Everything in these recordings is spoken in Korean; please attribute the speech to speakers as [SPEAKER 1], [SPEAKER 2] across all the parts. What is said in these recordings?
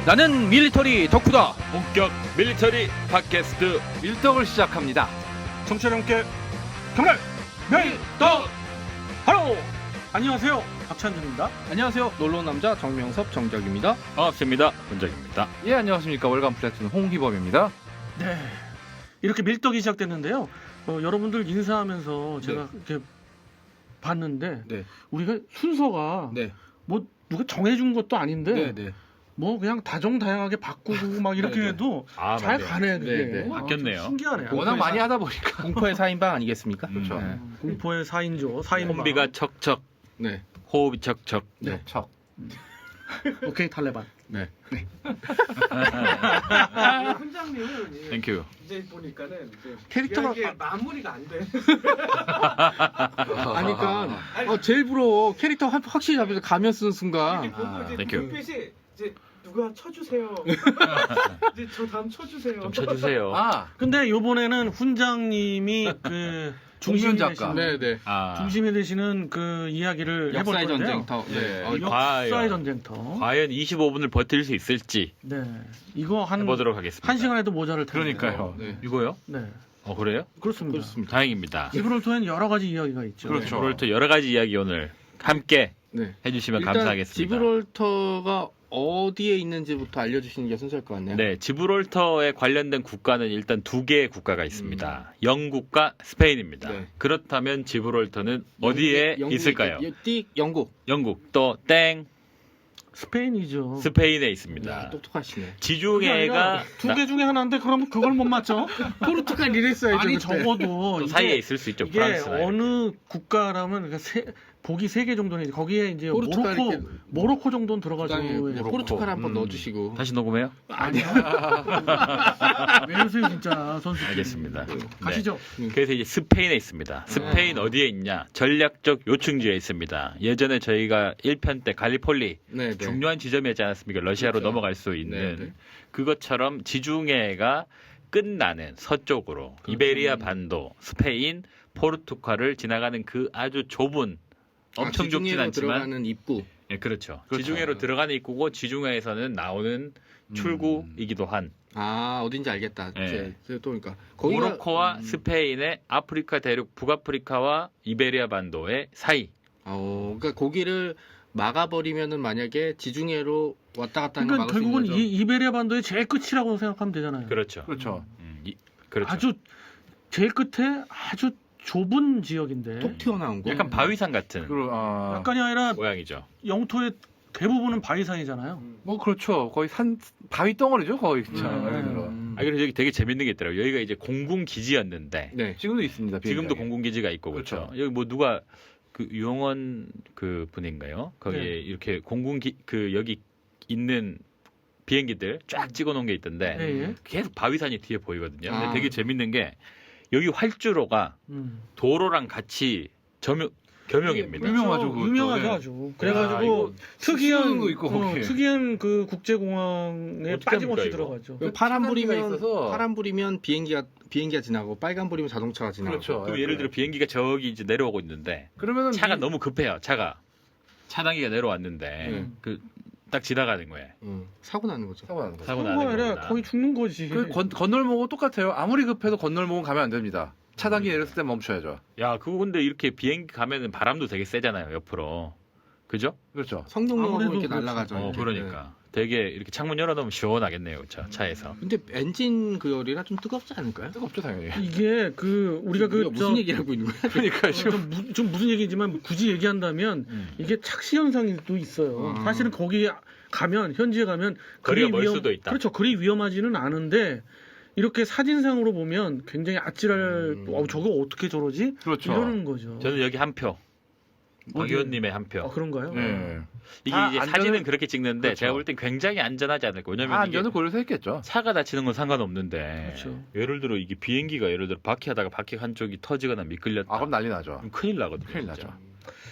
[SPEAKER 1] 나는 밀리터리 덕후다.
[SPEAKER 2] 본격 밀리터리 팟캐스트
[SPEAKER 1] 밀떡을 시작합니다.
[SPEAKER 3] 청취자 여러분께 정말 밀떡 하로 안녕하세요, 박찬준입니다.
[SPEAKER 1] 안녕하세요. 놀러온 남자 정명섭 정적입니다.
[SPEAKER 2] 반갑습니다. 본적입니다.
[SPEAKER 1] 예, 안녕하십니까. 월간 플래툰 홍희범입니다.
[SPEAKER 3] 네, 이렇게 밀떡이 시작됐는데요. 여러분들 인사하면서 제가 이렇게 봤는데
[SPEAKER 1] 네.
[SPEAKER 3] 우리가 순서가
[SPEAKER 1] 네.
[SPEAKER 3] 뭐 누가 정해준 것도 아닌데
[SPEAKER 1] 네.
[SPEAKER 3] 뭐 그냥 다정다양하게 바꾸고 막 이렇게
[SPEAKER 1] 네, 네.
[SPEAKER 3] 해도
[SPEAKER 2] 아,
[SPEAKER 3] 잘
[SPEAKER 2] 맞네요.
[SPEAKER 3] 가네 그게.
[SPEAKER 1] 네, 네.
[SPEAKER 2] 바뀌었네요.
[SPEAKER 3] 좀 신기하네요.
[SPEAKER 1] 워낙 많이 하다 보니까. 공포의 4인방 아니겠습니까?
[SPEAKER 2] 그렇죠.
[SPEAKER 1] 네.
[SPEAKER 3] 공포의 4인조, 4인방.
[SPEAKER 2] 콤비가 척척,
[SPEAKER 1] 네.
[SPEAKER 2] 호흡이 척척.
[SPEAKER 1] 네. 척.
[SPEAKER 3] 오케이, 탈레반.
[SPEAKER 1] 네.
[SPEAKER 4] 훈장님은
[SPEAKER 2] 땡큐.
[SPEAKER 4] 이제 보니까는 이제
[SPEAKER 3] 캐릭터가
[SPEAKER 4] 이게 마무리가 안 돼.
[SPEAKER 1] 아니, 그러니까 제일 부러워. 캐릭터 확실히 잡혀서 가면 쓰는 순간.
[SPEAKER 4] 이게 보고 이제
[SPEAKER 2] 땡큐.
[SPEAKER 4] 눈빛이 이제 누가 쳐주세요. 이제 저 다음 쳐주세요.
[SPEAKER 2] 좀 쳐주세요.
[SPEAKER 3] 근데 요번에는 훈장님이 그 중심이 되시는,
[SPEAKER 1] 네.
[SPEAKER 2] 아,
[SPEAKER 3] 중심이 되시는 그 이야기를 해볼
[SPEAKER 1] 역사의
[SPEAKER 3] 건데요.
[SPEAKER 1] 전쟁터. 네.
[SPEAKER 3] 역사의
[SPEAKER 2] 과연.
[SPEAKER 3] 전쟁터.
[SPEAKER 2] 과연 25분을 버틸 수 있을지
[SPEAKER 3] 네, 이거 한
[SPEAKER 2] 해보도록 하겠습니다.
[SPEAKER 3] 1시간 해도 모자랄 텐데.
[SPEAKER 2] 그러니까요.
[SPEAKER 1] 네.
[SPEAKER 2] 이거요?
[SPEAKER 3] 네,
[SPEAKER 2] 그래요?
[SPEAKER 3] 그렇습니다.
[SPEAKER 1] 그렇습니다.
[SPEAKER 2] 다행입니다.
[SPEAKER 3] 지브롤터에는 여러 가지 이야기가 있죠.
[SPEAKER 2] 그렇죠. 오늘부터 여러 가지 이야기 오늘 함께
[SPEAKER 1] 네.
[SPEAKER 2] 해주시면
[SPEAKER 1] 일단
[SPEAKER 2] 감사하겠습니다.
[SPEAKER 1] 지브롤터가 어디에 있는지부터 알려주시는 게 순서일 것 같네요.
[SPEAKER 2] 네, 지브롤터에 관련된 국가는 일단 두 개의 국가가 있습니다. 영국과 스페인입니다.
[SPEAKER 1] 네.
[SPEAKER 2] 그렇다면 지브롤터는 어디에 있을까요?
[SPEAKER 1] 영국.
[SPEAKER 2] 영국 또 땡
[SPEAKER 3] 스페인이죠.
[SPEAKER 2] 스페인에 있습니다.
[SPEAKER 1] 야, 똑똑하시네.
[SPEAKER 2] 지중해가
[SPEAKER 3] 두 개 중에 하나인데 그러면 그걸 못 맞죠?
[SPEAKER 1] 포르투갈 이랬어야죠.
[SPEAKER 3] 아니
[SPEAKER 1] 그때.
[SPEAKER 3] 적어도
[SPEAKER 2] 또
[SPEAKER 3] 이게-
[SPEAKER 2] 사이에 있을 수 있죠.
[SPEAKER 3] 이게
[SPEAKER 2] 프랑스나 이렇게.
[SPEAKER 3] 어느 국가라면 보기 3개 정도는 있지. 거기에 이제
[SPEAKER 1] 포르투갈 이렇게
[SPEAKER 3] 모로코 정도는 들어가지고
[SPEAKER 1] 땅에
[SPEAKER 3] 이제
[SPEAKER 1] 포르투갈 한번
[SPEAKER 2] 음.
[SPEAKER 1] 넣어주시고.
[SPEAKER 2] 다시 녹음해요?
[SPEAKER 3] 아니야. 왜 이러세요 진짜 선수.
[SPEAKER 2] 알겠습니다.
[SPEAKER 3] 가시죠.
[SPEAKER 2] 그래서 이제 스페인에 있습니다. 스페인 어디에 있냐? 전략적 요충지에 있습니다. 예전에 저희가 1편 때 갈리폴리
[SPEAKER 1] 네.
[SPEAKER 2] 중요한 지점이었지 않았습니까? 러시아로
[SPEAKER 1] 그렇죠.
[SPEAKER 2] 넘어갈 수 있는
[SPEAKER 1] 네.
[SPEAKER 2] 그것처럼 지중해가 끝나는 서쪽으로 이베리아 반도, 스페인, 포르투갈을 지나가는 그 아주 좁은 엄청 좁진
[SPEAKER 1] 지중해로
[SPEAKER 2] 않지만
[SPEAKER 1] 들어가는 입구.
[SPEAKER 2] 네, 그렇죠. 지중해로 들어가는 입구고 지중해에서는 나오는 출구이기도 한
[SPEAKER 1] 어딘지 알겠다.
[SPEAKER 2] 네.
[SPEAKER 1] 이제 또 그러니까
[SPEAKER 2] 모로코와 스페인의 아프리카 대륙 북아프리카와 이베리아 반도의 사이.
[SPEAKER 1] 그러니까 거기를 막아버리면은 만약에 지중해로 왔다 갔다 하는 거
[SPEAKER 3] 그러니까
[SPEAKER 1] 막을 수
[SPEAKER 3] 결국은
[SPEAKER 1] 있는 거죠.
[SPEAKER 3] 이베리아 반도의 제일 끝이라고 생각하면 되잖아요.
[SPEAKER 2] 그렇죠.
[SPEAKER 5] 그렇죠.
[SPEAKER 2] 그렇죠.
[SPEAKER 3] 아주 제일 끝에 아주 좁은 지역인데
[SPEAKER 1] 톡 튀어나온 거.
[SPEAKER 2] 약간 바위산 같은
[SPEAKER 3] 약간이 아니라
[SPEAKER 2] 모양이죠.
[SPEAKER 3] 영토의 대부분은 바위산이잖아요.
[SPEAKER 5] 뭐 그렇죠. 거의 산 바위 덩어리죠, 거의 진짜. 예를 들어.
[SPEAKER 2] 아, 그래서 여기 되게 재밌는 게 있더라고요. 여기가 이제 공군 기지였는데
[SPEAKER 1] 네.
[SPEAKER 5] 지금도 있습니다.
[SPEAKER 2] 지금도
[SPEAKER 5] 비행장에.
[SPEAKER 2] 공군 기지가 있고 그렇죠. 여기 뭐 누가 그 유영원 그 분인가요? 거기에
[SPEAKER 3] 네.
[SPEAKER 2] 이렇게 그 여기 있는 비행기들 쫙 찍어놓은 게 있던데
[SPEAKER 3] 예, 예.
[SPEAKER 2] 계속 바위산이 뒤에 보이거든요. 근데
[SPEAKER 1] 아.
[SPEAKER 2] 되게 재밌는 게 여기 활주로가 도로랑 같이 겸용입니다.
[SPEAKER 5] 유명하죠, 그것도.
[SPEAKER 3] 유명하죠,
[SPEAKER 5] 예.
[SPEAKER 3] 아주.
[SPEAKER 2] 야,
[SPEAKER 3] 그래가지고
[SPEAKER 2] 이거
[SPEAKER 3] 특이한
[SPEAKER 5] 수능도 있고, 거기에.
[SPEAKER 3] 특이한 그 국제공항에
[SPEAKER 2] 어떻게
[SPEAKER 3] 빠짐없이
[SPEAKER 2] 합니까, 이거?
[SPEAKER 3] 들어가죠.
[SPEAKER 1] 파란
[SPEAKER 5] 차단기가
[SPEAKER 1] 불이면
[SPEAKER 5] 있어서.
[SPEAKER 1] 파란 불이면 비행기가 지나고 빨간 불이면 자동차가 지나고.
[SPEAKER 5] 그렇죠.
[SPEAKER 2] 그럼 예를 들어 비행기가 저기 이제 내려오고 있는데
[SPEAKER 5] 그러면은
[SPEAKER 2] 차가 너무 급해요. 차단기가 내려왔는데
[SPEAKER 1] 음.
[SPEAKER 2] 그 딱 지나가는 거예요.
[SPEAKER 1] 사고 나는 거죠.
[SPEAKER 5] 사고 나는 거죠.
[SPEAKER 2] 사고
[SPEAKER 3] 그거
[SPEAKER 2] 나는
[SPEAKER 3] 아니라
[SPEAKER 2] 겁니다.
[SPEAKER 3] 거의 죽는 거지.
[SPEAKER 5] 그 건널목은 똑같아요. 아무리 급해도 건널목은 가면 안 됩니다. 차단기 내렸을 때 멈춰야죠.
[SPEAKER 2] 야, 그거 근데 이렇게 비행기 가면은 바람도 되게 세잖아요, 옆으로. 그죠?
[SPEAKER 5] 그렇죠.
[SPEAKER 1] 성동용으로
[SPEAKER 3] 아무래도
[SPEAKER 1] 이렇게
[SPEAKER 3] 그렇죠.
[SPEAKER 1] 날아가죠. 이렇게.
[SPEAKER 2] 그러니까. 되게 이렇게 창문 열어놓으면 시원하겠네요, 차에서.
[SPEAKER 1] 네. 근데 엔진 그 열이라 좀 뜨겁지 않을까요?
[SPEAKER 5] 뜨겁죠, 당연히.
[SPEAKER 3] 이게 그 우리가
[SPEAKER 1] 무슨 얘기를 하고 있는 거야?
[SPEAKER 5] 그러니까 지금
[SPEAKER 3] 좀 무슨 얘기지만 굳이 얘기한다면 이게 착시 현상도 있어요. 사실은 거기 가면 현지에 가면
[SPEAKER 2] 거리가 멀 수도 있다.
[SPEAKER 3] 그렇죠. 그리 위험하지는 않은데 이렇게 사진상으로 보면 굉장히 아찔할. 저거 어떻게 저러지?
[SPEAKER 5] 그렇죠.
[SPEAKER 3] 이러는 거죠.
[SPEAKER 2] 저는 여기 한 표. 박 의원님의 한 표.
[SPEAKER 3] 그런가요?
[SPEAKER 5] 예.
[SPEAKER 2] 이게
[SPEAKER 5] 다
[SPEAKER 2] 이제
[SPEAKER 5] 안전을-
[SPEAKER 2] 사진은 그렇게 찍는데
[SPEAKER 5] 그렇죠.
[SPEAKER 2] 제가 볼 땐 굉장히 안전하지 않을까. 왜냐면 이게
[SPEAKER 5] 안전을 고려해서 했겠죠.
[SPEAKER 2] 차가 다치는 건 상관없는데
[SPEAKER 3] 그렇죠.
[SPEAKER 2] 예를 들어 이게 비행기가 예를 들어 바퀴하다가 바퀴 한쪽이 터지거나 미끌렸다.
[SPEAKER 5] 그럼 난리 나죠.
[SPEAKER 2] 그럼 큰일 나거든요.
[SPEAKER 5] 큰일
[SPEAKER 2] 진짜.
[SPEAKER 5] 나죠.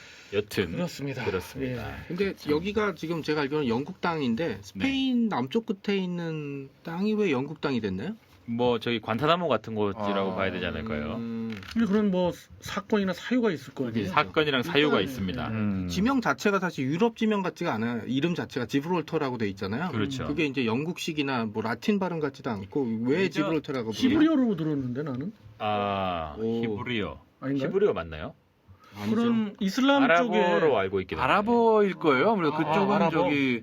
[SPEAKER 2] 여튼
[SPEAKER 3] 그렇습니다.
[SPEAKER 2] 그렇습니다.
[SPEAKER 3] 예.
[SPEAKER 1] 근데 여기가 지금 제가 알기로는 영국 땅인데 스페인 남쪽 끝에 있는 땅이 왜 영국 땅이 됐나요?
[SPEAKER 2] 뭐 저기 관타나모 같은 곳이라고
[SPEAKER 5] 아,
[SPEAKER 2] 봐야 되지 않을까요?
[SPEAKER 3] 근데 그런 뭐 사건이나 사유가 있을 거예요.
[SPEAKER 1] 그게
[SPEAKER 2] 사건이랑 사유가
[SPEAKER 1] 일단,
[SPEAKER 2] 있습니다.
[SPEAKER 1] 지명 자체가 사실 유럽 지명 같지가 않아요. 이름 자체가 지브롤터라고 돼 있잖아요.
[SPEAKER 2] 그렇죠.
[SPEAKER 1] 그게 이제 영국식이나 뭐 라틴 발음 같지도 않고 왜
[SPEAKER 2] 그죠?
[SPEAKER 1] 지브롤터라고 부르냐?
[SPEAKER 3] 히브리어로 들었는데 나는
[SPEAKER 2] 아,
[SPEAKER 1] 오.
[SPEAKER 2] 히브리어.
[SPEAKER 3] 아닌가요?
[SPEAKER 2] 히브리어 맞나요?
[SPEAKER 1] 아니죠.
[SPEAKER 3] 그럼 이슬람
[SPEAKER 2] 아랍어로
[SPEAKER 3] 쪽에
[SPEAKER 2] 알고 있긴 한데.
[SPEAKER 5] 아랍어일 거예요. 아무래도 그쪽은
[SPEAKER 3] 아랍어?
[SPEAKER 5] 저기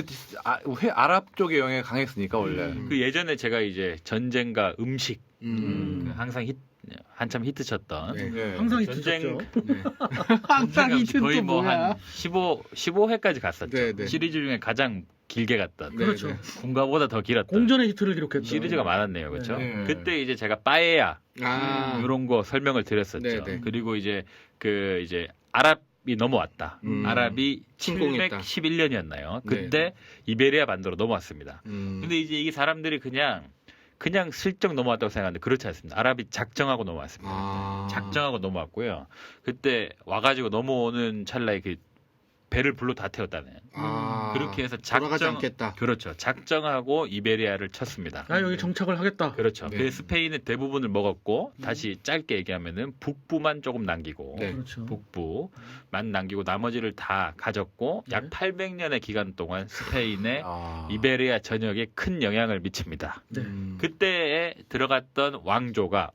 [SPEAKER 5] 아랍 쪽의 영향이 강했으니까 원래.
[SPEAKER 2] 그 예전에 제가 이제 전쟁과 음식 그
[SPEAKER 1] 음.
[SPEAKER 2] 항상 한참 히트 쳤던
[SPEAKER 1] 네.
[SPEAKER 5] 예.
[SPEAKER 3] 항상
[SPEAKER 2] 전쟁-
[SPEAKER 3] 있었죠.
[SPEAKER 1] 네. 항상 이
[SPEAKER 2] 거의
[SPEAKER 1] 튼
[SPEAKER 2] 뭐
[SPEAKER 1] 뭐야?
[SPEAKER 2] 한 15회까지 갔었죠.
[SPEAKER 1] 네, 네.
[SPEAKER 2] 시리즈 중에 가장 길게 갔던.
[SPEAKER 1] 네,
[SPEAKER 3] 그렇죠.
[SPEAKER 1] 네.
[SPEAKER 2] 군가보다 더 길었던
[SPEAKER 3] 공전의 히트를 기록했죠.
[SPEAKER 2] 시리즈가 많았네요. 그렇죠?
[SPEAKER 5] 네.
[SPEAKER 2] 그때 이제 제가 빠에야
[SPEAKER 1] 아,
[SPEAKER 2] 이런 거 설명을 드렸었죠.
[SPEAKER 1] 네, 네.
[SPEAKER 2] 그리고 이제 그 이제 아랍이 넘어왔다. 아랍이
[SPEAKER 1] 침공했다.
[SPEAKER 2] 711년이었나요?
[SPEAKER 1] 네.
[SPEAKER 2] 그때 이베리아 반도로 넘어왔습니다.
[SPEAKER 1] 음.
[SPEAKER 2] 근데 이제 이 사람들이 그냥 슬쩍 넘어왔다고 생각하는데 그렇지 않습니다. 아랍이 작정하고 넘어왔습니다.
[SPEAKER 1] 아.
[SPEAKER 2] 작정하고 넘어왔고요. 그때 와가지고 넘어오는 찰나에 그 배를 불로 다 태웠다는.
[SPEAKER 1] 아.
[SPEAKER 2] 그렇게 해서
[SPEAKER 1] 돌아가지 않겠다.
[SPEAKER 2] 그렇죠. 작정하고 이베리아를 쳤습니다.
[SPEAKER 3] 아 여기 정착을 하겠다.
[SPEAKER 2] 그렇죠.
[SPEAKER 1] 네.
[SPEAKER 2] 그 스페인은 대부분을 먹었고 다시 짧게 얘기하면은 북부만 조금 남기고
[SPEAKER 1] 네.
[SPEAKER 3] 그렇죠.
[SPEAKER 2] 북부만 남기고 나머지를 다 가졌고 약
[SPEAKER 3] 네.
[SPEAKER 2] 800년의 기간 동안 스페인의
[SPEAKER 5] 아.
[SPEAKER 2] 이베리아 전역에 큰 영향을 미칩니다.
[SPEAKER 3] 네.
[SPEAKER 2] 그때에 들어갔던 왕조가